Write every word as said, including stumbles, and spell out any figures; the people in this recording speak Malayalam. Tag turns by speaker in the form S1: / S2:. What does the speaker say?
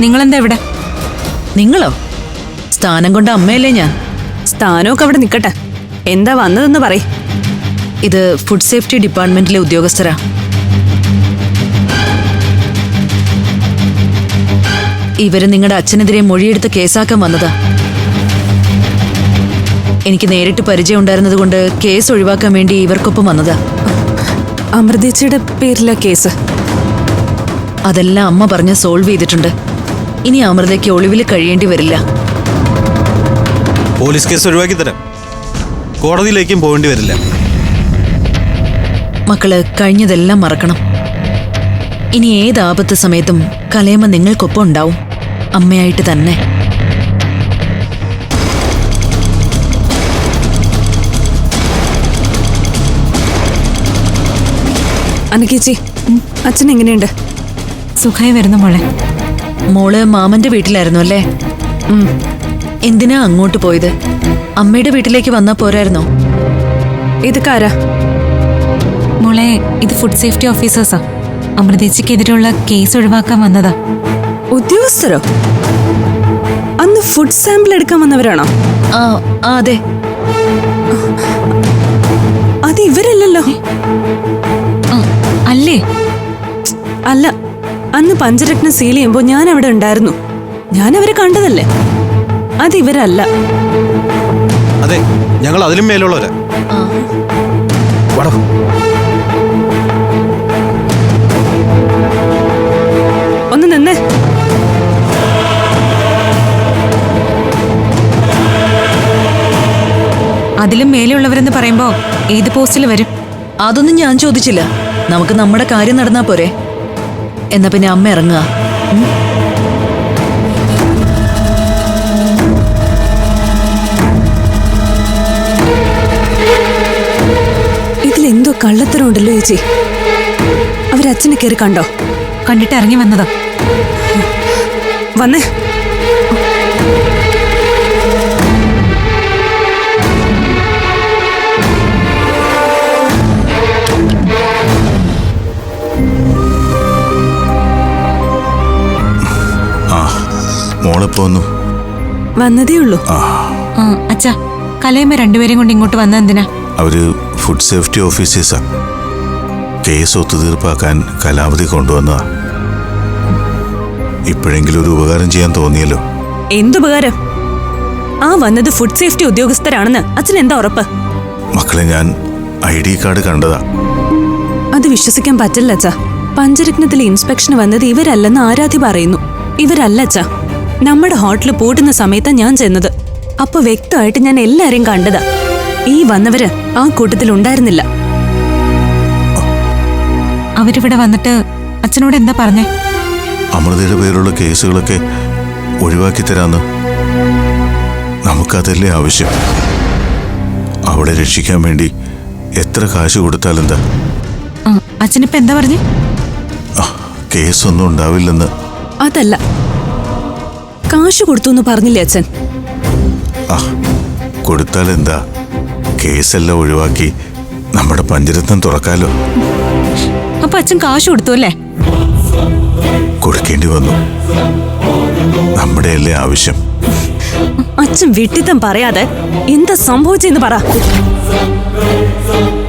S1: നിങ്ങളെന്താ ഇവിടെ?
S2: നിങ്ങളോ? സ്ഥാനം കൊണ്ട് അമ്മയല്ലേ ഞാൻ.
S3: സ്ഥാനമൊക്കെ അവിടെ നിൽക്കട്ടെ, എന്താ വന്നതെന്ന് പറയ്.
S2: ഇത് ഫുഡ് സേഫ്റ്റി ഡിപ്പാർട്ട്മെന്റിലെ ഉദ്യോഗസ്ഥരാ. ഇവര് നിങ്ങളുടെ അച്ഛനെതിരെ മൊഴിയെടുത്ത് കേസാക്കാൻ വന്നതാ. എനിക്ക് നേരിട്ട് പരിചയം ഉണ്ടായിരുന്നത് കൊണ്ട് കേസ് ഒഴിവാക്കാൻ വേണ്ടി ഇവർക്കൊപ്പം വന്നതാ.
S3: അമൃതേച്ചിയുടെ പേരിലാ കേസ്?
S2: അതെല്ലാം അമ്മ പറഞ്ഞ് സോൾവ് ചെയ്തിട്ടുണ്ട്. ഇനി അമൃതയ്ക്ക് ഒളിവിൽ കഴിയേണ്ടി വരില്ല.
S4: പോലീസ് കേസ് ഒഴിവാക്കി തരാം, കോടതിയിലേക്കും പോകേണ്ടി വരില്ല.
S2: മക്കള് കഴിഞ്ഞതെല്ലാം മറക്കണം. ഇനി ഏത് ആപത്ത് സമയത്തും കലയമ്മ നിങ്ങൾക്കൊപ്പം ഉണ്ടാവും, അമ്മയായിട്ട് തന്നെ.
S3: അനക്കേച്ചി, അച്ഛൻ എങ്ങനെയുണ്ട്?
S1: സുഖമായി വരുന്നു മോളെ.
S2: മോള് മാമന്റെ വീട്ടിലായിരുന്നു അല്ലേ? എന്തിനാ അങ്ങോട്ട് പോയത്? അമ്മയുടെ വീട്ടിലേക്ക് വന്നാ പോരായിരുന്നോ?
S3: ഇതൊക്കാരാ?
S1: മോളെ, ഇത് ഫുഡ് സേഫ്റ്റി ഓഫീസേഴ്സാ. അമൃതേച്ചിക്കെതിരെയുള്ള കേസ് ഒഴിവാക്കാൻ വന്നതാ.
S3: ഉദ്യോഗസ്ഥരോ? അന്ന് ഫുഡ് സാമ്പിൾ എടുക്കാൻ വന്നവരാണോ?
S2: ആ അതെ.
S3: അത് ഇവരല്ലല്ലോ.
S1: അല്ലേ?
S3: അല്ല, അന്ന് പഞ്ചരത്നം സീൽ ചെയ്യുമ്പോ ഞാൻ അവിടെ ഉണ്ടായിരുന്നു. ഞാൻ അവരെ കണ്ടതല്ലേ. അത് ഇവരല്ല.
S4: അതെ, ഞങ്ങൾ അതിലും മേലുള്ളവരാ.
S3: ഒന്ന് നിന്നേ.
S1: അതിലും മേലെയുള്ളവരെന്ന് പറയുമ്പോ ഏത് പോസ്റ്റിൽ വരും?
S2: അതൊന്നും ഞാൻ ചോദിച്ചില്ല. നമുക്ക് നമ്മുടെ കാര്യം നടന്നാ പോരെ. എന്നാ പിന്നെ അമ്മ ഇറങ്ങുക.
S3: ഇതിലെന്തോ കള്ളത്തരം ഉണ്ടല്ലോ ചേച്ചി. അവരച്ഛനെ കയറി കണ്ടോ?
S1: കണ്ടിട്ട് ഇറങ്ങി വന്നതാ.
S3: വന്നേ.
S4: മോളിപ്പോ വന്നു.
S3: വന്നതേ ഉള്ളൂ.
S1: അച്ഛാ, കലയമ്മ രണ്ടുപേരും കൊണ്ട് ഇങ്ങോട്ട് വന്ന എന്തിനാ?
S5: അവര് ഫുഡ് സേഫ്റ്റി ഓഫീസേഴ്സാ. കേസ് ഒത്തുതീർപ്പാക്കാൻ കലാവധി കൊണ്ടുവന്നതാ. ഇപ്പോഴെങ്കിലും ഒരു ഉപകാരം ചെയ്യാൻ തോന്നിയല്ലോ.
S3: എന്തുപകാരം? ആ വന്നത് ഫുഡ് സേഫ്റ്റി ഉദ്യോഗസ്ഥരാണെന്ന് അച്ഛൻ എന്താ ഉറപ്പ്?
S5: മക്കളെ, ഞാൻ ഐ ഡി കാർഡ് കണ്ടതാ.
S3: അത് വിശ്വസിക്കാൻ പറ്റില്ല അച്ഛാ. പഞ്ചരത്നത്തിലെ ഇൻസ്പെക്ഷന് വന്നത് ഇവരല്ലെന്ന് ആരാധി പറയുന്നു. ഇവരല്ല അച്ഛാ. നമ്മുടെ ഹോട്ടലിൽ പൂട്ടുന്ന സമയത്താ ഞാൻ ചെന്നത്. അപ്പൊ വ്യക്തമായിട്ട് ഞാൻ എല്ലാരെയും കണ്ടതാ. ഈ വന്നവര് ആ കൂട്ടത്തിൽ ഉണ്ടായിരുന്നില്ല.
S1: അവരിവിടെ വന്നിട്ട് അച്ഛനോട് എന്താ പറഞ്ഞേ?
S5: അമൃതയുടെ പേരുള്ള കേസുകളൊക്കെ ഒഴിവാക്കി തരാന്ന്. നമുക്കതല്ലേ ആവശ്യം. അവളെ രക്ഷിക്കാൻ വേണ്ടി എത്ര കാശ് കൊടുത്താലെന്താ?
S1: അച്ഛനിപ്പോ എന്താ പറഞ്ഞേ?
S5: കേസൊന്നും ഉണ്ടാവില്ലെന്ന്.
S3: അതല്ല, കാശ് കൊടുത്തു എന്ന് പറഞ്ഞില്ലേ അച്ഛൻ?
S5: ആ, കൊടുത്താലെന്താ? കേസെല്ലാം ഒഴിവാക്കി നമ്മുടെ പഞ്ചരത്നം തുറക്കാലോ.
S1: അപ്പൊ അച്ഛൻ കാശ് കൊടുത്തു അല്ലേ?
S5: കൊടുക്കേണ്ടി വന്നു. നമ്മുടെ അല്ലേ ആവശ്യം.
S3: അച്ഛൻ വിട്ടിത്തം പറയാതെ എന്താ സംഭവിച്ചെന്ന് പറ.